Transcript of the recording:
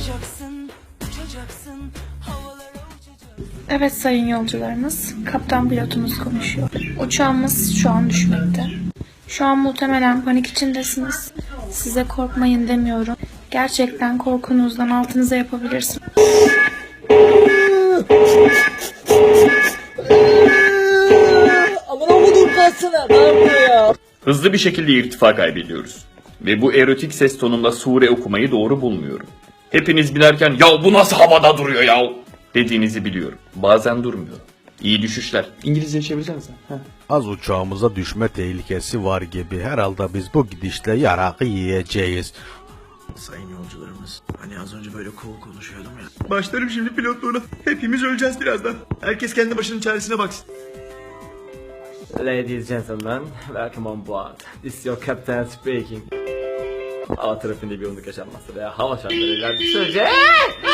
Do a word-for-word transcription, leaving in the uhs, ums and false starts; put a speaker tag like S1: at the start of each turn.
S1: Uçacaksın, uçacaksın, havalara uçacaksın.
S2: Evet sayın yolcularımız, kaptan pilotumuz konuşuyor. Uçağımız şu an düşmekte. Şu an muhtemelen panik içindesiniz. Size korkmayın demiyorum. Gerçekten korkunuzdan altınıza yapabilirsiniz.
S3: Aman okudum kalsana. Ne yapıyor ya?
S4: Hızlı bir şekilde irtifa kaybediyoruz. Ve bu erotik ses tonunda sure okumayı doğru bulmuyorum. Hepiniz binerken ya bu nasıl havada duruyor ya dediğinizi biliyorum. Bazen durmuyor. İyi düşüşler. İngilizce çevirsenize.
S5: Az uçağımıza düşme tehlikesi var gibi. Herhalde biz bu gidişle yarakı yiyeceğiz.
S6: Sayın yolcularımız, hani az önce böyle cool konuşuyordum ya.
S4: Başlarım şimdi pilotluğuna. Hepimiz öleceğiz birazdan. Herkes kendi başının çaresine baksın.
S7: Ladies and gentlemen, welcome on board. This is your captain speaking. Hava trafiğinde bir yoğunluk yaşanmazsa veya hava şartlarıyla bir sürece